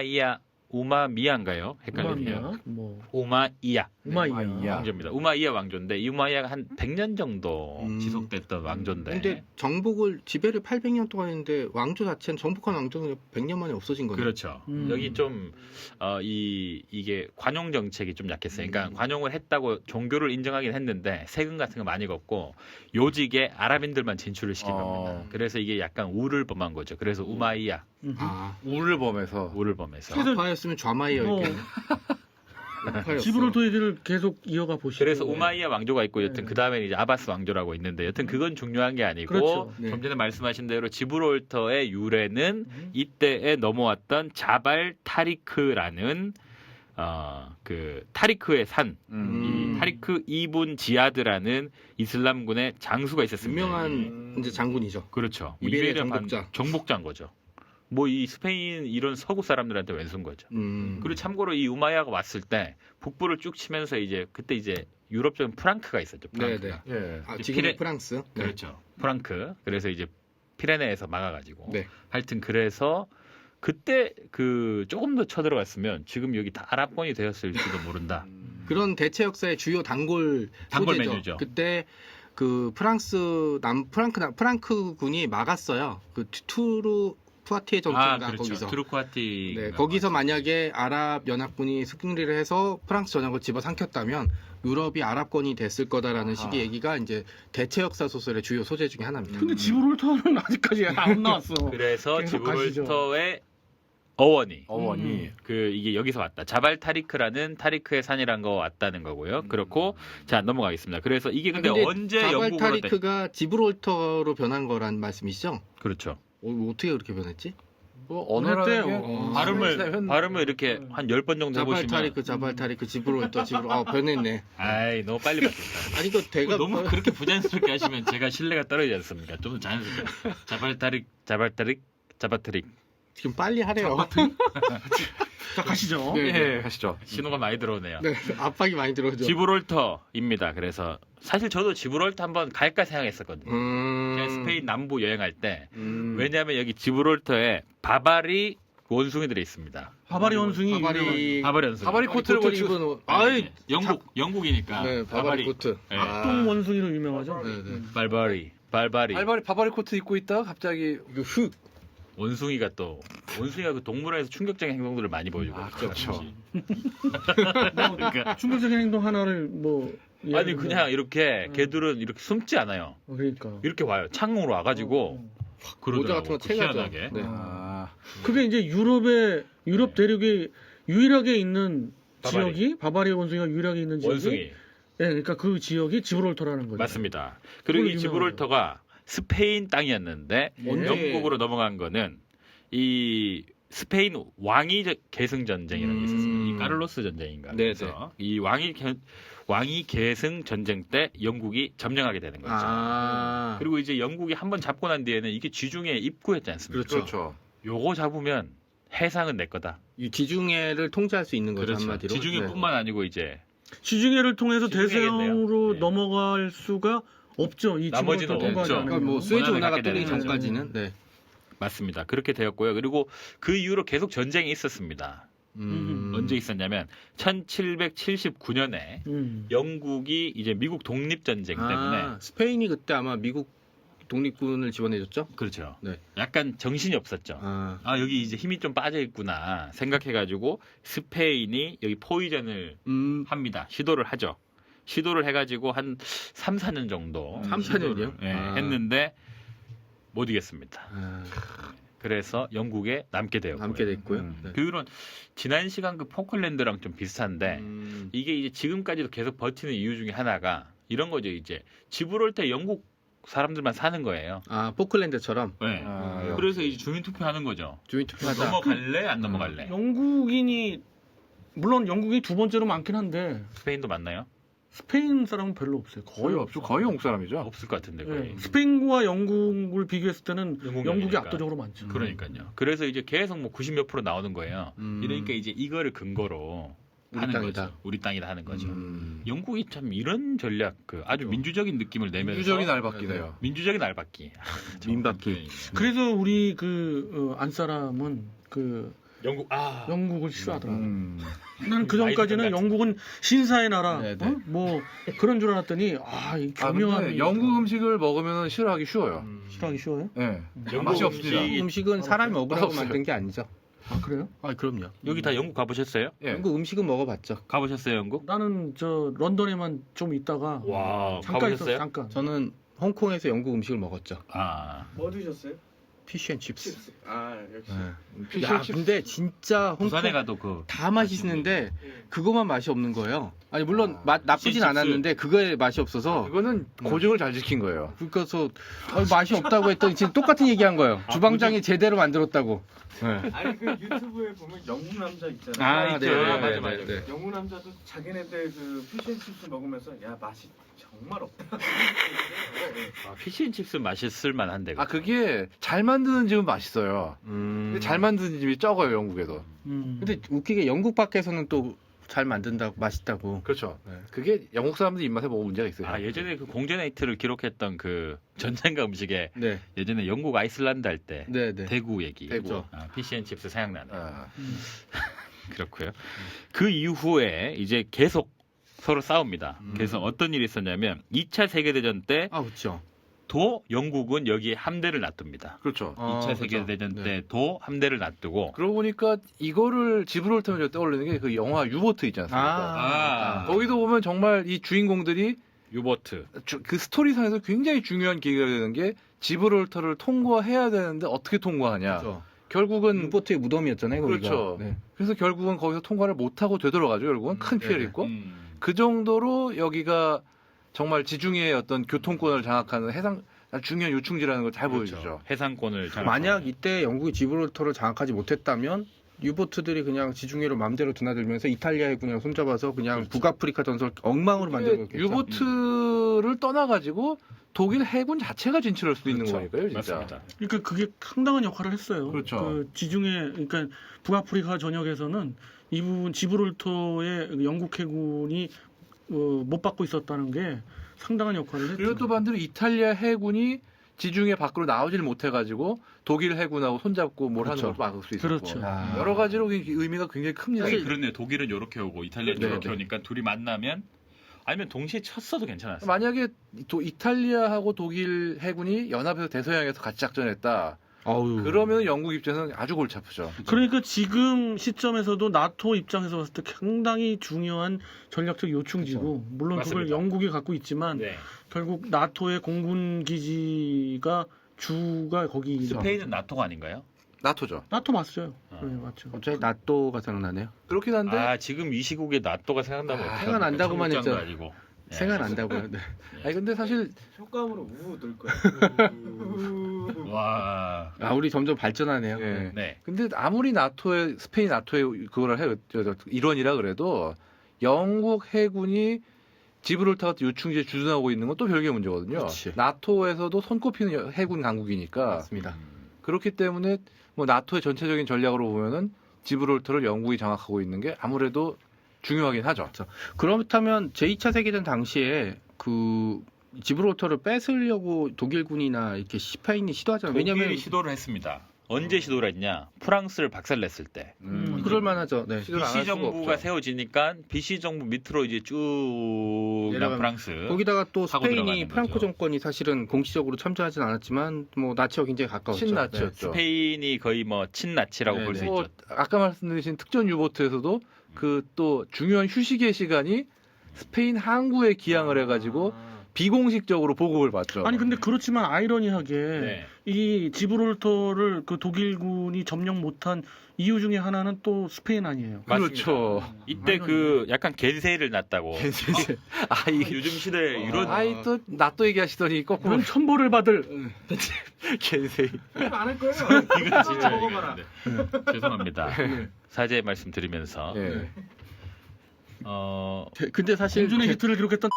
[SPEAKER 2] 우마미야인가요? 헷갈리네요.
[SPEAKER 3] 우마이야. 뭐
[SPEAKER 2] 우마이야
[SPEAKER 3] 우마이야.
[SPEAKER 5] 우마이야.
[SPEAKER 2] 왕조입니다. 우마이야 왕조인데 이 우마이야가 한 100년 정도 지속됐던 왕조인데
[SPEAKER 1] 근데 정복을 지배를 800년 동안 했는데 왕조 자체는 정복한 왕조는 100년 만에 없어진 거네요.
[SPEAKER 2] 그렇죠.
[SPEAKER 3] 음.
[SPEAKER 2] 여기 좀 이게 관용 정책이 좀 약했어요. 그러니까 관용을 했다고 종교를 인정하긴 했는데 세금 같은 거 많이 걷고 요직에 아랍인들만 진출을 시킨 겁니다. 그래서 이게 약간 우를 범한 거죠. 그래서 우마이야
[SPEAKER 1] 아,
[SPEAKER 5] 우를 범해서.
[SPEAKER 2] 우를 범해서.
[SPEAKER 3] 그래서-
[SPEAKER 1] 우파였으면 좌마이였겠네. 우파였어.
[SPEAKER 3] 지브롤터 얘기를 계속 이어가 보시죠.
[SPEAKER 2] 그래서 우마이야 왕조가 있고 여튼
[SPEAKER 3] 네.
[SPEAKER 2] 그 다음에 이제 아바스 왕조라고 있는데 여튼 그건 중요한 게 아니고
[SPEAKER 3] 그렇죠.
[SPEAKER 1] 네.
[SPEAKER 2] 좀 전에 말씀하신 대로 지브롤터의 유래는
[SPEAKER 3] 음.
[SPEAKER 2] 이때에 넘어왔던 자발 타리크라는 그 타리크의 산,
[SPEAKER 1] 음.
[SPEAKER 2] 이 타리크 이분 지아드라는 이슬람군의 장수가 있었습니다.
[SPEAKER 1] 유명한 이제 장군이죠.
[SPEAKER 2] 그렇죠.
[SPEAKER 1] 이베리아
[SPEAKER 2] 이베리아
[SPEAKER 1] 정복자.
[SPEAKER 2] 정복자인 거죠. 뭐 이 스페인 이런 서구 사람들한테 왼수인 거죠. 그리고 참고로 이 우마야가 왔을 때 북부를 쭉 치면서 이제 그때 이제 유럽적인 프랑크가 있었죠. 프랑크가.
[SPEAKER 5] 예.
[SPEAKER 1] 아,
[SPEAKER 2] 이제
[SPEAKER 1] 지금
[SPEAKER 2] 피레-
[SPEAKER 1] 프랑스. 네.
[SPEAKER 2] 그렇죠. 프랑크. 그래서 이제 피레네에서 막아가지고.
[SPEAKER 1] 네.
[SPEAKER 2] 하여튼 그래서 그때 그 조금 더 쳐들어갔으면 지금 여기 다 아랍권이 되었을지도 모른다.
[SPEAKER 1] 그런 대체 역사의 주요 단골 소재죠.
[SPEAKER 2] 메뉴죠.
[SPEAKER 1] 그때 그 프랑크 군이 막았어요. 그 푸아티에 전투인가
[SPEAKER 2] 그렇죠.
[SPEAKER 1] 거기서.
[SPEAKER 2] 트루쿠아티.
[SPEAKER 1] 네, 거기서 만약에 아랍 연합군이 승리를 해서 프랑스 전역을 집어삼켰다면 유럽이 아랍권이 됐을 거다라는 식의 얘기가 이제 대체 역사 소설의 주요 소재 중에 하나입니다.
[SPEAKER 3] 근데 지브롤터는 아직까지 안 나왔어.
[SPEAKER 2] 그래서
[SPEAKER 3] 계속 가시죠.
[SPEAKER 2] 지브롤터의 어원이
[SPEAKER 5] 어원이.
[SPEAKER 2] 이게 여기서 왔다. 자발 타리크라는 타리크의 산이란 거 왔다는 거고요. 그렇고 자 넘어가겠습니다. 그래서 이게 근데 언제
[SPEAKER 1] 자발
[SPEAKER 2] 영국으로
[SPEAKER 1] 타리크가 지브롤터로 변한 거란 말씀이시죠?
[SPEAKER 2] 그렇죠.
[SPEAKER 1] 어떻게 그렇게 변했지?
[SPEAKER 5] 뭐
[SPEAKER 3] 어느 때,
[SPEAKER 2] 발음을 이렇게 한 10번 정도 해보시면
[SPEAKER 1] 자발 타리크, 지브롤터, 변했네.
[SPEAKER 2] 아이 너무 빨리 바뀌었다.
[SPEAKER 1] 아니, 이거 대가
[SPEAKER 2] 너무 그렇게 부자연스럽게 하시면 제가 신뢰가 떨어지지 않습니까? 좀 더 자연스럽게. 자발타릭.
[SPEAKER 1] 지금 빨리 하래요.
[SPEAKER 3] 자 가시죠.
[SPEAKER 1] 네.
[SPEAKER 5] 예, 하시죠.
[SPEAKER 2] 신호가 많이 들어오네요.
[SPEAKER 1] 네, 압박이 많이 들어오죠.
[SPEAKER 2] 지브롤터입니다. 그래서 사실 저도 지브롤터 한번 갈까 생각했었거든요. 제가
[SPEAKER 1] 음,
[SPEAKER 2] 스페인 남부 여행할 때
[SPEAKER 1] 음.
[SPEAKER 2] 왜냐하면 여기 지브롤터에 바바리 원숭이들이 있습니다.
[SPEAKER 3] 바바리 원숭이 유명한-
[SPEAKER 2] 바바리 원숭이.
[SPEAKER 5] 바바리 코트를
[SPEAKER 1] 코트
[SPEAKER 5] 입은
[SPEAKER 1] 입은 아이
[SPEAKER 2] 영국이니까.
[SPEAKER 1] 네, 바바리 코트.
[SPEAKER 2] 네.
[SPEAKER 3] 똥 원숭이로 유명하죠.
[SPEAKER 1] 네, 네.
[SPEAKER 2] 발바리.
[SPEAKER 5] 바바리 코트 입고 있다가 갑자기
[SPEAKER 1] 이거 흑.
[SPEAKER 2] 원숭이가 그 동물원에서 충격적인 행동들을 많이 보여주고.
[SPEAKER 5] 그렇죠.
[SPEAKER 2] 그러니까
[SPEAKER 3] 충격적인 행동 하나를 뭐
[SPEAKER 2] 아니 그냥 이렇게 개들은 이렇게 숨지 않아요.
[SPEAKER 3] 그러니까
[SPEAKER 2] 이렇게 와요. 창으로 와가지고
[SPEAKER 1] 모자 같은 거 채가죠.
[SPEAKER 2] 희한하게.
[SPEAKER 1] 네.
[SPEAKER 3] 그게 이제 유럽 대륙에 유일하게 있는 지역이 바바리 원숭이가 유일하게 있는 지역이
[SPEAKER 2] 원숭이
[SPEAKER 3] 네, 그러니까 그 지역이 지브롤터라는 거죠.
[SPEAKER 2] 맞습니다. 그리고 이
[SPEAKER 3] 그걸
[SPEAKER 2] 지브롤터가 스페인 땅이었는데
[SPEAKER 1] 언제-
[SPEAKER 2] 영국으로 넘어간 거는 이 스페인 왕위 계승 전쟁이라는 게 있었습니다. 이 카를로스 전쟁인가.
[SPEAKER 1] 네,
[SPEAKER 2] 그래서 이 왕위 계승 전쟁 때 영국이 점령하게 되는 거죠.
[SPEAKER 1] 아,
[SPEAKER 2] 그리고 이제 영국이 한번 잡고 난 뒤에는 이게 지중해 입구였지 않습니까?
[SPEAKER 1] 그렇죠.
[SPEAKER 5] 그렇죠.
[SPEAKER 2] 요거 잡으면 해상은 내 거다.
[SPEAKER 1] 이 지중해를 통제할 수 있는 거죠
[SPEAKER 2] 그렇죠.
[SPEAKER 1] 한마디로.
[SPEAKER 2] 지중해뿐만 아니고 이제
[SPEAKER 3] 지중해를 통해서
[SPEAKER 2] 지중해겠네요.
[SPEAKER 3] 대서양으로
[SPEAKER 2] 네.
[SPEAKER 3] 넘어갈 수가 없죠. 이
[SPEAKER 2] 나머지는
[SPEAKER 3] 지구를
[SPEAKER 2] 없죠.
[SPEAKER 3] 통과하지
[SPEAKER 1] 그러니까
[SPEAKER 3] 않으면.
[SPEAKER 1] 뭐 스웨즈
[SPEAKER 2] 원하는
[SPEAKER 1] 운하가
[SPEAKER 2] 갖게
[SPEAKER 1] 뚫리기
[SPEAKER 2] 되는
[SPEAKER 1] 전까지는 네.
[SPEAKER 2] 맞습니다. 그렇게 되었고요. 그리고 그 이후로 계속 전쟁이 있었습니다. 언제 있었냐면 1779년에 영국이 이제 미국 독립 전쟁 때문에
[SPEAKER 1] 스페인이 그때 아마 미국 독립군을 지원해줬죠.
[SPEAKER 2] 그렇죠.
[SPEAKER 1] 네.
[SPEAKER 2] 약간 정신이 없었죠.
[SPEAKER 1] 아,
[SPEAKER 2] 여기 이제 힘이 좀 빠져 있구나 생각해가지고 스페인이 여기 포위전을 합니다. 시도를 하죠. 시도를 해가지고 한 3, 4년 정도
[SPEAKER 1] 3, 4년이요?
[SPEAKER 2] 예,
[SPEAKER 1] 아.
[SPEAKER 2] 했는데 못 이겼습니다.
[SPEAKER 1] 아,
[SPEAKER 2] 그래서 영국에 남게 되었고요.
[SPEAKER 1] 남게 됐고요. 네.
[SPEAKER 2] 그 이후로는 지난 시간 그 포클랜드랑 좀 비슷한데 이게 이제 지금까지도 계속 버티는 이유 중에 하나가 이런 거죠. 이제 지브롤터 영국 사람들만 사는 거예요.
[SPEAKER 1] 아 포클랜드처럼
[SPEAKER 2] 네.
[SPEAKER 5] 아,
[SPEAKER 2] 그래서 이제 주민 투표하는 거죠.
[SPEAKER 1] 주민 투표하자.
[SPEAKER 2] 넘어갈래 안 넘어갈래?
[SPEAKER 3] 영국인이 물론 영국이 두 번째로 많긴 한데
[SPEAKER 2] 스페인도 맞나요?
[SPEAKER 3] 스페인 사람은 별로 없어요.
[SPEAKER 5] 거의 없죠. 거의 영국 사람이죠.
[SPEAKER 2] 없을 것 같은데 거의.
[SPEAKER 3] 네. 스페인과 영국을 비교했을 때는
[SPEAKER 2] 영국이
[SPEAKER 3] 영국이
[SPEAKER 2] 아니니까.
[SPEAKER 3] 압도적으로 많죠.
[SPEAKER 2] 그러니까요. 그래서 이제 계속 뭐 90몇 프로 나오는 거예요. 이러니까 이제 이거를 근거로
[SPEAKER 1] 우리
[SPEAKER 2] 하는
[SPEAKER 1] 땅이다.
[SPEAKER 2] 거죠. 우리 땅이다 하는 거죠.
[SPEAKER 1] 음.
[SPEAKER 2] 영국이 참 이런 전략, 아주 민주적인 느낌을 내면서
[SPEAKER 5] 민주적인 알바끼네요.
[SPEAKER 2] 민주적인 알박기.
[SPEAKER 1] 민박기.
[SPEAKER 3] 그래서 우리 안 사람은
[SPEAKER 2] 영국
[SPEAKER 3] 영국을 싫어하더라고. 나는 그
[SPEAKER 2] 아이들
[SPEAKER 3] 전까지는
[SPEAKER 2] 같은.
[SPEAKER 3] 영국은 신사의 나라,
[SPEAKER 1] 네, 네.
[SPEAKER 3] 뭐 그런 줄 알았더니 이
[SPEAKER 5] 근데
[SPEAKER 3] 교묘함이
[SPEAKER 5] 영국 음식을 먹으면 싫어하기 쉬워요.
[SPEAKER 3] 싫어하기 쉬워요?
[SPEAKER 5] 네.
[SPEAKER 2] 영국
[SPEAKER 5] 맛이
[SPEAKER 2] 음식.
[SPEAKER 5] 없습니다.
[SPEAKER 1] 음식은 사람이 먹으라고
[SPEAKER 5] 없어요.
[SPEAKER 1] 만든 게 아니죠.
[SPEAKER 3] 아 그래요?
[SPEAKER 1] 아 그럼요.
[SPEAKER 2] 여기 다 영국 가보셨어요?
[SPEAKER 5] 예.
[SPEAKER 1] 영국 음식은 먹어봤죠.
[SPEAKER 2] 가보셨어요 영국?
[SPEAKER 3] 나는 런던에만 좀 있다가
[SPEAKER 2] 와
[SPEAKER 3] 잠깐 있었어
[SPEAKER 2] 가보셨어요?
[SPEAKER 3] 잠깐.
[SPEAKER 1] 저는 홍콩에서 영국 음식을 먹었죠.
[SPEAKER 4] 뭐 드셨어요?
[SPEAKER 1] 피쉬앤칩스.
[SPEAKER 4] 칩스. 아 역시.
[SPEAKER 1] 네. 야 근데 진짜 홍콩
[SPEAKER 2] 부산에 가도
[SPEAKER 1] 다 맛있는데
[SPEAKER 4] 예.
[SPEAKER 1] 그거만 맛이 없는 거예요. 아니 물론 맛 나쁘진
[SPEAKER 2] 피쉬칩스.
[SPEAKER 1] 않았는데 그거에 맛이 없어서
[SPEAKER 5] 이거는 고증을 잘 지킨 거예요.
[SPEAKER 1] 그래서 맛이 없다고 했더니 지금 똑같은 얘기한 거예요. 주방장이 제대로 만들었다고. 네.
[SPEAKER 4] 아니 그 유튜브에 보면 영국 남자 있잖아요.
[SPEAKER 2] 있죠. 맞아.
[SPEAKER 4] 영국 남자도 자기네들 그 피쉬앤칩스 먹으면서 야 맛이 정말 없다.
[SPEAKER 2] 피쉬앤칩스 맛있을 만한데.
[SPEAKER 5] 그게 잘 만드는 집은 맛있어요. 근데 잘 만드는 집이 적어요, 영국에도.
[SPEAKER 1] 근데 웃기게 영국 밖에서는 또 잘 만든다고 맛있다고.
[SPEAKER 5] 그렇죠.
[SPEAKER 1] 네.
[SPEAKER 5] 그게 영국 사람들 입맛에 뭐가 문제가 있어요.
[SPEAKER 2] 예전에 그 공제나이트를 기록했던 그 전쟁가 음식에
[SPEAKER 1] 네,
[SPEAKER 2] 예전에 영국 아이슬란드 할 때
[SPEAKER 1] 네, 네.
[SPEAKER 2] 대구 얘기.
[SPEAKER 5] 대구.
[SPEAKER 2] 피쉬앤칩스 생각나네.
[SPEAKER 5] 아,
[SPEAKER 2] 그렇고요. 그 이후에 이제 계속 서로 싸웁니다. 그래서 어떤 일이 있었냐면 2차 세계대전 때
[SPEAKER 1] 아 그렇죠.
[SPEAKER 2] 도 영국은 여기에 함대를 놔둡니다.
[SPEAKER 5] 그렇죠.
[SPEAKER 2] 2차 세계대전
[SPEAKER 1] 네.
[SPEAKER 2] 때도 함대를 놔두고
[SPEAKER 5] 그러고 보니까 이거를 지브롤터면 떠올리는 게 그 영화 유보트 있지 않습니까? 거기도 보면 정말 이 주인공들이
[SPEAKER 2] 유보트.
[SPEAKER 5] 그 스토리상에서 굉장히 중요한 계기가 되는 게 지브롤터를 통과해야 되는데 어떻게 통과하냐.
[SPEAKER 1] 그렇죠.
[SPEAKER 5] 결국은
[SPEAKER 1] 유보트의 무덤이었잖아요. 거기가.
[SPEAKER 5] 그렇죠.
[SPEAKER 1] 네.
[SPEAKER 5] 그래서 결국은 거기서 통과를 못하고 되돌아가죠. 결국은 큰 피해를
[SPEAKER 1] 네네.
[SPEAKER 5] 입고 그 정도로 여기가 정말 지중해의 어떤 교통권을 장악하는 해상 중요한 요충지라는 걸 잘
[SPEAKER 2] 그렇죠.
[SPEAKER 5] 보여주죠.
[SPEAKER 2] 해상권을
[SPEAKER 1] 만약 이때 영국이 지브롤터를 장악하지 못했다면 유보트들이 그냥 지중해로 마음대로 드나들면서 이탈리아 해군이랑 손잡아서 그냥 북아프리카 전설 엉망으로 만들었겠죠.
[SPEAKER 5] 유보트를 떠나가지고 독일 해군 자체가 진출할 수도 있는
[SPEAKER 1] 그렇죠.
[SPEAKER 5] 거니까요, 진짜.
[SPEAKER 2] 맞습니다.
[SPEAKER 3] 그러니까 그게 상당한 역할을 했어요.
[SPEAKER 5] 그렇죠.
[SPEAKER 3] 그 지중해, 그러니까 북아프리카 전역에서는 이 부분 지브롤터의 영국 해군이 못 받고 있었다는 게 상당한 역할을 했죠.
[SPEAKER 5] 그리고 또 반대로 이탈리아 해군이 지중해 밖으로 나오질 못해가지고 독일 해군하고 손잡고 뭘
[SPEAKER 1] 그렇죠.
[SPEAKER 5] 하는 것도 막을 수 있었고
[SPEAKER 3] 그렇죠.
[SPEAKER 5] 여러 가지로 의미가 굉장히 큽니다.
[SPEAKER 2] 사실 그렇네요. 독일은 이렇게 오고 이탈리아는
[SPEAKER 1] 네,
[SPEAKER 2] 이렇게
[SPEAKER 1] 네.
[SPEAKER 2] 오니까 둘이 만나면 아니면 동시에 쳤어도 괜찮았어요.
[SPEAKER 5] 만약에 이탈리아하고 독일 해군이 연합해서 대서양에서 같이 작전했다.
[SPEAKER 1] 어우.
[SPEAKER 5] 그러면 영국 입장에서는 아주 골치 아프죠.
[SPEAKER 3] 그러니까 지금 시점에서도 나토 입장에서 봤을 때 상당히 중요한 전략적 요충지고 물론 그걸
[SPEAKER 2] 맞습니다.
[SPEAKER 3] 영국이 갖고 있지만
[SPEAKER 2] 네.
[SPEAKER 3] 결국 나토의 공군 기지가 주가 거기
[SPEAKER 2] 스페인은 나토가 아닌가요?
[SPEAKER 5] 나토죠.
[SPEAKER 3] 나토 맞어요.
[SPEAKER 2] 아.
[SPEAKER 3] 네, 맞죠.
[SPEAKER 1] 갑자기 나또가 생각나네요.
[SPEAKER 5] 그렇긴 한데
[SPEAKER 2] 지금 이 시국에 나토가 생각나면 어떡합니까?
[SPEAKER 1] 생각난다고만
[SPEAKER 2] 청국장도
[SPEAKER 1] 했죠.
[SPEAKER 2] 아니고. 네.
[SPEAKER 1] 생각난다고요. 네.
[SPEAKER 5] 아니 근데 사실
[SPEAKER 4] 효과음으로 우우 들 거야.
[SPEAKER 2] 와.
[SPEAKER 1] 우리 점점 발전하네요.
[SPEAKER 5] 예.
[SPEAKER 2] 네.
[SPEAKER 5] 근데 아무리 나토의 스페인 나토의 그거를 해요 일원이라 그래도 영국 해군이 지브롤터 같은 요충지에 주둔하고 있는 건 또 별개의 문제거든요.
[SPEAKER 1] 그렇지.
[SPEAKER 5] 나토에서도 손꼽히는 해군 강국이니까
[SPEAKER 1] 맞습니다.
[SPEAKER 5] 그렇기 때문에 뭐 나토의 전체적인 전략으로 보면은 지브롤터를 영국이 장악하고 있는 게 아무래도 중요하긴 하죠.
[SPEAKER 1] 그렇다면 제2차 세계대전 당시에 그 지브롤터를 뺏으려고 독일군이나 이렇게 스페인이 시도하잖아요.
[SPEAKER 2] 독일이
[SPEAKER 1] 왜냐면
[SPEAKER 2] 시도를 했습니다. 언제 시도를 했냐? 프랑스를 박살냈을 때.
[SPEAKER 1] 그럴 만하죠. 네.
[SPEAKER 5] 시도를 안할
[SPEAKER 2] BC
[SPEAKER 5] 수가
[SPEAKER 2] 정부가
[SPEAKER 5] 없죠.
[SPEAKER 2] 세워지니까 BC 정부 밑으로 이제 쭉
[SPEAKER 1] 내려가면
[SPEAKER 2] 프랑스.
[SPEAKER 1] 거기다가 또
[SPEAKER 2] 하고
[SPEAKER 1] 스페인이
[SPEAKER 2] 들어가는
[SPEAKER 1] 프랑코
[SPEAKER 2] 거죠.
[SPEAKER 1] 정권이 사실은 공식적으로 참전하진 않았지만 뭐 나치와 굉장히 가까웠죠.
[SPEAKER 5] 친나치였죠.
[SPEAKER 2] 스페인이 거의 뭐 친나치라고 볼 수
[SPEAKER 1] 네네.
[SPEAKER 5] 뭐
[SPEAKER 2] 있죠.
[SPEAKER 5] 아까 말씀드린 특전 유보트에서도 그 또 중요한 휴식의 시간이 스페인 항구에 기항을 해가지고 비공식적으로 보급을 받죠.
[SPEAKER 3] 아니 근데 그렇지만 아이러니하게
[SPEAKER 2] 네.
[SPEAKER 3] 이 지브롤터를 그 독일군이 점령 못한 이유 중에 하나는 또 스페인 아니에요.
[SPEAKER 5] 그렇죠.
[SPEAKER 2] 이때 그 약간 겐세이를 났다고.
[SPEAKER 5] 아이
[SPEAKER 2] 요즘 시대에 이런
[SPEAKER 5] 아이 또 나또 얘기하시더니 거꾸로
[SPEAKER 3] 그런 천벌을 받을
[SPEAKER 5] 겐세이.
[SPEAKER 4] 안할 거예요.
[SPEAKER 2] 이건 진짜
[SPEAKER 4] 먹어봐라.
[SPEAKER 2] 얘기하는데. 죄송합니다. 사죄의 말씀드리면서
[SPEAKER 5] 예.
[SPEAKER 1] 근데 사실
[SPEAKER 3] 공준의 히트를 기록했던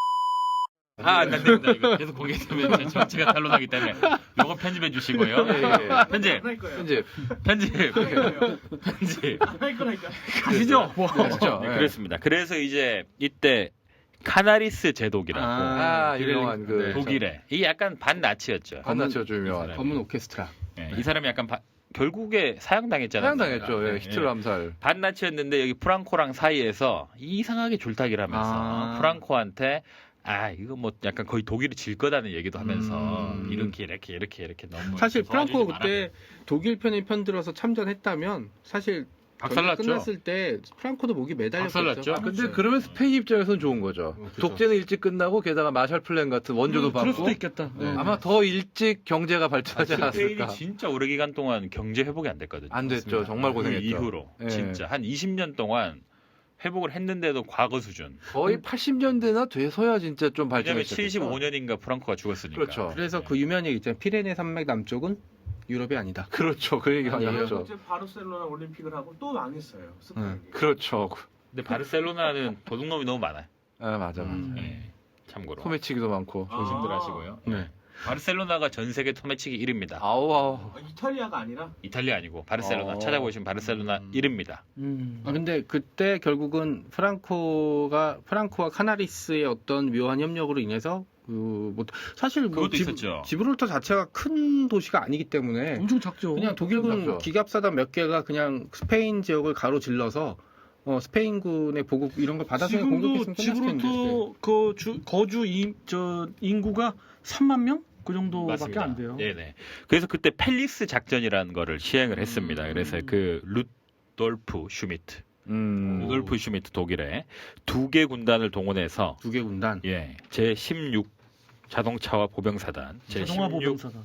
[SPEAKER 2] 안 됩니다. 이거 계속 공개되면 제 전체가 탄로나기 때문에 요거 편집해 주시고요.
[SPEAKER 5] 예.
[SPEAKER 2] 편집,
[SPEAKER 4] 안할 거예요.
[SPEAKER 5] 이제
[SPEAKER 2] 편집,
[SPEAKER 4] 안할
[SPEAKER 2] 편집.
[SPEAKER 4] 거라니까.
[SPEAKER 3] 가시죠. 뭐.
[SPEAKER 5] 그렇죠.
[SPEAKER 2] 네,
[SPEAKER 5] 예.
[SPEAKER 2] 그렇습니다. 그래서 이제 이때 카나리스 제독이라고
[SPEAKER 5] 아, 유명한 그
[SPEAKER 1] 네.
[SPEAKER 2] 독일에 이게 약간 반나치였죠.
[SPEAKER 5] 한나치가 좀 유명한.
[SPEAKER 2] 이
[SPEAKER 1] 검은 오케스트라.
[SPEAKER 2] 네, 이 사람이 약간 결국에 사형당했잖아요.
[SPEAKER 5] 사양당했죠. 예,
[SPEAKER 2] 네,
[SPEAKER 5] 히틀러 암살.
[SPEAKER 2] 반나치였는데 여기 프랑코랑 사이에서 이상하게 줄타기를 하면서
[SPEAKER 1] 아.
[SPEAKER 2] 프랑코한테 이거 뭐 약간 거의 독일이 질 거다는 얘기도 하면서 이렇게 너무
[SPEAKER 1] 사실 프랑코
[SPEAKER 2] 도와주지
[SPEAKER 1] 그때 독일 편에 편들어서 참전했다면 사실
[SPEAKER 2] 박살났죠.
[SPEAKER 1] 끝났을 때 프랑코도 목이 매달렸죠.
[SPEAKER 2] 박살났죠.
[SPEAKER 5] 근데 그러면 스페인 입장에서는 좋은 거죠.
[SPEAKER 1] 그렇죠.
[SPEAKER 5] 독재는 일찍 끝나고 게다가 마샬 플랜 같은 원조도
[SPEAKER 3] 그럴 수도
[SPEAKER 5] 받고
[SPEAKER 3] 있겠다.
[SPEAKER 1] 네.
[SPEAKER 5] 아마 더 일찍 경제가 발전하지
[SPEAKER 2] 스페인이
[SPEAKER 5] 않았을까.
[SPEAKER 2] 진짜 오래 기간 동안 경제 회복이 안 됐거든요.
[SPEAKER 5] 안 됐죠.
[SPEAKER 1] 맞습니다.
[SPEAKER 5] 정말
[SPEAKER 2] 그
[SPEAKER 5] 고생했죠.
[SPEAKER 2] 이후로
[SPEAKER 5] 예.
[SPEAKER 2] 진짜 한 20년 동안 회복을 했는데도 과거 수준.
[SPEAKER 5] 거의 80년대나 돼서야 진짜 좀
[SPEAKER 2] 왜냐면
[SPEAKER 5] 발전했죠.
[SPEAKER 2] 75년인가 프랑코가 죽었으니까.
[SPEAKER 5] 그렇죠.
[SPEAKER 1] 그래서 그 유명한 얘기 있잖아요. 피레네 산맥 남쪽은 유럽이 아니다.
[SPEAKER 5] 그렇죠. 그 얘기 많이
[SPEAKER 1] 아니에요.
[SPEAKER 5] 하죠.
[SPEAKER 4] 이제 바르셀로나 올림픽을 하고 또 망했어요. 스페인이.
[SPEAKER 5] 그렇죠.
[SPEAKER 2] 근데 바르셀로나는 도둑놈이 너무 많아요.
[SPEAKER 5] 아, 맞아.
[SPEAKER 2] 네, 참고로.
[SPEAKER 5] 소매치기도 많고.
[SPEAKER 2] 조심들 하시고요.
[SPEAKER 1] 네.
[SPEAKER 2] 바르셀로나가 전 세계 소매치기 1위입니다.
[SPEAKER 5] 아우.
[SPEAKER 4] 이탈리아가 아니라
[SPEAKER 2] 이탈리아 아니고 바르셀로나.
[SPEAKER 5] 어.
[SPEAKER 2] 찾아보시면 바르셀로나 1위입니다.
[SPEAKER 1] 근데 그때 결국은 프랑코와 카나리스의 어떤 묘한 협력으로 인해서 뭐 사실 뭐
[SPEAKER 2] 그것도 있었죠.
[SPEAKER 1] 지브롤터 자체가 큰 도시가 아니기 때문에
[SPEAKER 3] 엄청 작죠.
[SPEAKER 1] 그냥 독일군
[SPEAKER 5] 작죠.
[SPEAKER 1] 기갑사단 몇 개가 그냥 스페인 지역을 가로질러서 스페인군의 보급 이런 걸 받아서
[SPEAKER 3] 지금도
[SPEAKER 1] 공격했으면 끝났을 텐데.
[SPEAKER 3] 지브롤터 거주 인구가 3만 명? 그 정도밖에
[SPEAKER 2] 맞습니다.
[SPEAKER 3] 안 돼요.
[SPEAKER 2] 네네. 그래서 그때 펠리스 작전이라는 거를 시행을 했습니다. 그래서 그 루돌프 슈미트, 루돌프 슈미트 독일에 2개 군단을 동원해서
[SPEAKER 1] 두개 군단.
[SPEAKER 2] 제 16 자동차와 보병사단, 제
[SPEAKER 3] 자동화
[SPEAKER 2] 16
[SPEAKER 3] 보병사단.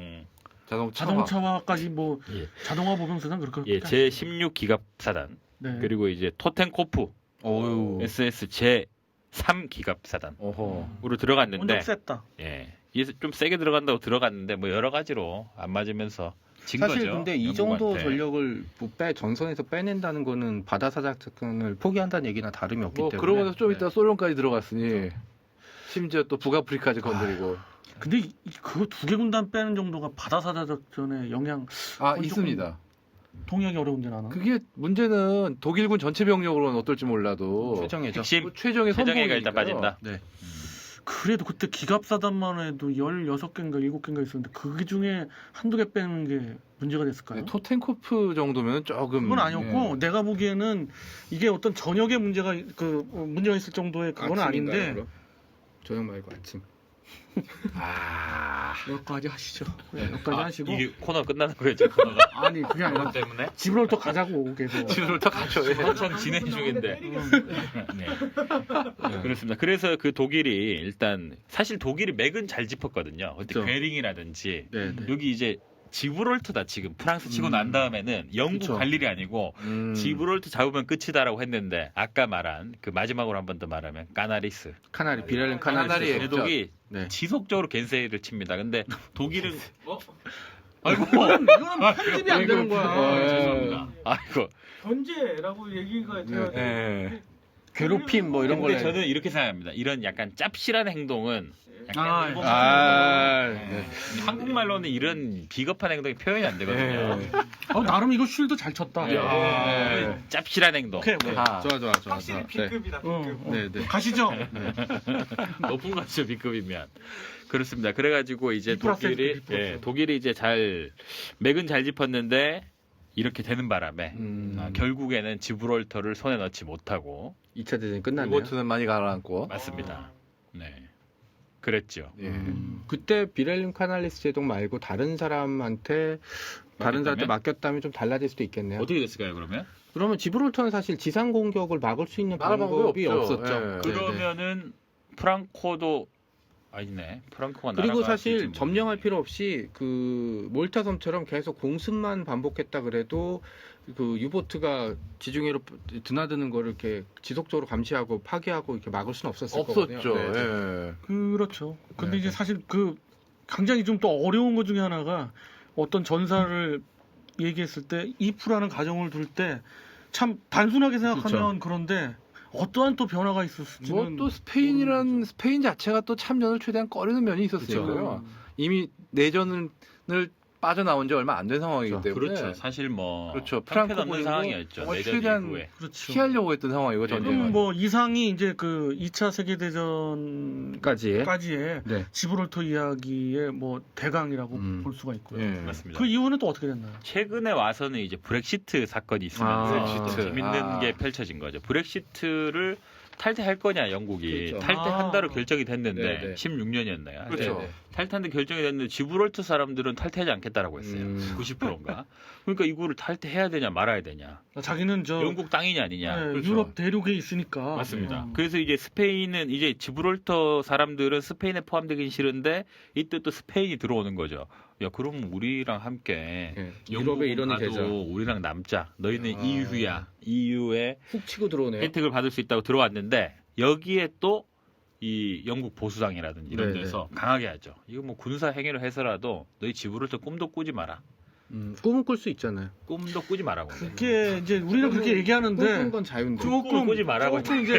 [SPEAKER 3] 자동차와까지 뭐
[SPEAKER 2] 예.
[SPEAKER 3] 자동화 보병사단 그렇게.
[SPEAKER 2] 제 16 기갑사단,
[SPEAKER 3] 네.
[SPEAKER 2] 그리고 이제 토텐코프
[SPEAKER 1] 어유.
[SPEAKER 2] SS 제 3 기갑사단으로
[SPEAKER 5] 어허.
[SPEAKER 2] 들어갔는데
[SPEAKER 3] 엄청 셌다.
[SPEAKER 2] 이게 좀 세게 들어간다고 들어갔는데 뭐 여러 가지로 안 맞으면서 진
[SPEAKER 1] 사실
[SPEAKER 2] 거죠.
[SPEAKER 1] 근데 이 정도
[SPEAKER 2] 영국한테.
[SPEAKER 1] 전력을 뭐 전선에서 빼낸다는 거는 바다사작 작전을 포기한다는 얘기나 다름이 없기
[SPEAKER 5] 뭐
[SPEAKER 1] 때문에.
[SPEAKER 5] 그러고 나서 좀
[SPEAKER 2] 네.
[SPEAKER 5] 이따 소련까지 들어갔으니 심지어 또 북아프리카까지 건드리고.
[SPEAKER 3] 근데 그거 2개 군단 빼는 정도가 바다사자 작전에 영향
[SPEAKER 5] 아,
[SPEAKER 3] 조금
[SPEAKER 5] 있습니다.
[SPEAKER 3] 동의하기 어려운데 나는.
[SPEAKER 5] 그게 문제는 독일군 전체 병력으로는 어떨지 몰라도
[SPEAKER 1] 최정예죠.
[SPEAKER 2] 핵심
[SPEAKER 5] 뭐 최종의
[SPEAKER 2] 최정예가 일단
[SPEAKER 5] 선봉이니까요.
[SPEAKER 2] 빠진다.
[SPEAKER 1] 네.
[SPEAKER 3] 그래도 그때 기갑사단만 해도 16개인가 7개인가 있었는데 그 중에 한두 개 빼는 게 문제가 됐을까요?
[SPEAKER 5] 네, 토텐코프 정도면 조금
[SPEAKER 3] 그건 아니었고
[SPEAKER 5] 예.
[SPEAKER 3] 내가 보기에는 이게 어떤 전역에 문제가 문제가 있을 정도의 그건 아닌데
[SPEAKER 1] 저녁 말고 아침.
[SPEAKER 3] 여기까지 하시죠. 여기까지 하시고
[SPEAKER 2] 이게 코너 끝나는 거였죠. 코너가
[SPEAKER 3] 아니 그게 아니라
[SPEAKER 2] 때문에
[SPEAKER 3] 지브롤터 가자고 계속.
[SPEAKER 5] 지브롤터 가죠. 예.
[SPEAKER 2] 한참 진행 중인데. 네. 그렇습니다. 그래서 그 독일이 일단 사실 독일이 맥은 잘 짚었거든요. 그때
[SPEAKER 1] 그렇죠.
[SPEAKER 2] 괴링이라든지
[SPEAKER 1] 네.
[SPEAKER 2] 여기 이제 지브롤터다 지금 프랑스 치고 난 다음에는 영국
[SPEAKER 1] 그쵸.
[SPEAKER 2] 갈 일이 아니고 지브롤터 잡으면 끝이다라고 했는데 아까 말한 그 마지막으로 한 번 더 말하면 까나리스
[SPEAKER 1] 카나리 비렐린 카나리.
[SPEAKER 5] 카나리에
[SPEAKER 2] 제독이
[SPEAKER 1] 네.
[SPEAKER 2] 지속적으로 겐세이를 칩니다. 근데 독일은
[SPEAKER 3] 아이고 이거는 편집이 안 되는 거야.
[SPEAKER 2] 죄송합니다. 아이고
[SPEAKER 4] 견제라고 얘기가 돼야
[SPEAKER 5] 예.
[SPEAKER 4] 돼.
[SPEAKER 1] 괴롭힘 뭐 이런
[SPEAKER 2] 근데
[SPEAKER 1] 걸.
[SPEAKER 2] 저는 이렇게 생각합니다. 이런 약간 짭실한 행동은 약간
[SPEAKER 3] 아,
[SPEAKER 2] 일본
[SPEAKER 1] 네.
[SPEAKER 2] 한국말로는 이런 비겁한 행동이 표현이 안 되거든요.
[SPEAKER 3] 나름 이거 쉴드 잘 쳤다.
[SPEAKER 2] 네. 짭실한 행동.
[SPEAKER 3] 오케이, 오케이.
[SPEAKER 5] 아,
[SPEAKER 1] 좋아.
[SPEAKER 4] 확실히 B급이다 B급.
[SPEAKER 1] 네.
[SPEAKER 3] 가시죠.
[SPEAKER 2] 높은 거죠 B급이면. 그렇습니다. 그래가지고 이제
[SPEAKER 3] B 플러스
[SPEAKER 2] 독일이
[SPEAKER 3] B 플러스.
[SPEAKER 2] 독일이 이제 맥은 잘 짚었는데 이렇게 되는 바람에 결국에는 지브롤터를 손에 넣지 못하고
[SPEAKER 1] 2차 대전이 끝났네요.
[SPEAKER 5] 유보트는 많이 가라앉고.
[SPEAKER 2] 맞습니다. 네, 그랬죠.
[SPEAKER 5] 예.
[SPEAKER 1] 그때 비렐름 카날리스 제독 말고 다른 사람한테 맡겼다면 좀 달라질 수도 있겠네요.
[SPEAKER 2] 어떻게 됐을까요 그러면?
[SPEAKER 1] 그러면 지브롤터는 사실 지상 공격을 막을 수 있는
[SPEAKER 5] 막을
[SPEAKER 1] 방법이
[SPEAKER 5] 방법이 없죠.
[SPEAKER 1] 없었죠.
[SPEAKER 5] 예.
[SPEAKER 1] 네, 네.
[SPEAKER 2] 그러면은 프랑코도 아니네. 프랑코가
[SPEAKER 1] 그리고
[SPEAKER 2] 날아갈 수 있을지
[SPEAKER 1] 사실 점령할
[SPEAKER 2] 모르겠네.
[SPEAKER 1] 필요 없이 그 몰타 섬처럼 계속 공습만 반복했다 그래도 그 유보트가 지중해로 드나드는 거를 이렇게 지속적으로 감시하고 파괴하고 이렇게 막을 수는 없었을 거거든요.
[SPEAKER 5] 없었죠.
[SPEAKER 1] 네, 네.
[SPEAKER 5] 예.
[SPEAKER 3] 그렇죠. 근데
[SPEAKER 1] 네,
[SPEAKER 3] 이제
[SPEAKER 1] 네.
[SPEAKER 3] 사실 그 굉장히 좀 또 어려운 것 중에 하나가 어떤 전사를 얘기했을 때 이프라는 가정을 둘 때 참 단순하게 생각하면 그런데 어떠한 또 변화가 있었을지는
[SPEAKER 5] 뭐 또 스페인 자체가 또 참전을 최대한 꺼리는 면이 있었으니까요. 이미 내전을 빠져나온 지 얼마 안 된 상황이기 때문에
[SPEAKER 2] 그렇죠. 사실 뭐
[SPEAKER 5] 그렇죠.
[SPEAKER 2] 형편없는
[SPEAKER 5] 프랑코
[SPEAKER 2] 상황이었죠.
[SPEAKER 5] 정말
[SPEAKER 2] 내전
[SPEAKER 5] 최대한
[SPEAKER 2] 이후에.
[SPEAKER 3] 그렇죠.
[SPEAKER 5] 피하려고 했던 상황이고
[SPEAKER 2] 네,
[SPEAKER 5] 전쟁은.
[SPEAKER 3] 그럼 뭐 이상이 이제 그 2차 세계 대전까지의
[SPEAKER 1] 까지의 네.
[SPEAKER 3] 지브롤터 이야기의 뭐 대강이라고 볼 수가 있고요.
[SPEAKER 5] 예.
[SPEAKER 2] 맞습니다.
[SPEAKER 3] 그 이후는 또 어떻게 됐나요?
[SPEAKER 2] 최근에 와서는 이제 브렉시트 사건이 있으면서
[SPEAKER 5] 브렉시트.
[SPEAKER 2] 재밌는
[SPEAKER 5] 아.
[SPEAKER 2] 게 펼쳐진 거죠. 브렉시트를 탈퇴할 거냐 영국이
[SPEAKER 1] 그렇죠.
[SPEAKER 2] 탈퇴한다로 결정이 됐는데
[SPEAKER 1] 네, 네.
[SPEAKER 2] 16년이었나요?
[SPEAKER 5] 그렇죠.
[SPEAKER 1] 네.
[SPEAKER 2] 탈퇴한다 결정이 됐는데 지브롤터 사람들은 탈퇴하지 않겠다라고 했어요.
[SPEAKER 1] 음.
[SPEAKER 2] 90%인가? 그러니까 이거를 탈퇴해야 되냐 말아야 되냐?
[SPEAKER 3] 자기는 저
[SPEAKER 2] 영국 땅이냐 아니냐?
[SPEAKER 3] 네,
[SPEAKER 5] 그렇죠.
[SPEAKER 3] 유럽 대륙에 있으니까
[SPEAKER 2] 맞습니다. 그래서 이제 스페인은 이제 지브롤터 사람들은 스페인에 포함되긴 싫은데 이때 또 스페인이 들어오는 거죠. 야 그럼 우리랑 함께
[SPEAKER 1] 네.
[SPEAKER 2] 영국은
[SPEAKER 1] 유럽의 일원이
[SPEAKER 2] 가도
[SPEAKER 1] 되자.
[SPEAKER 2] 우리랑 남자. 너희는
[SPEAKER 1] 아.
[SPEAKER 2] EU야. EU에
[SPEAKER 1] 훅 치고 들어오네요.
[SPEAKER 2] 혜택을 받을 수 있다고 들어왔는데 여기에 또 이 영국 보수당이라든지 이런
[SPEAKER 1] 네네.
[SPEAKER 2] 데서 강하게 하죠. 이거 뭐 군사 행위를 해서라도 너희 지브롤터 꿈도 꾸지 마라.
[SPEAKER 1] 꿈은 꿀 수 있잖아요.
[SPEAKER 2] 꿈도 꾸지 마라고.
[SPEAKER 3] 그게 이제 우리는 그렇게 얘기하는데
[SPEAKER 1] 꿈꾸는 건 자유인데.
[SPEAKER 2] 꿈을 꾸지 말라고
[SPEAKER 3] 조금 이제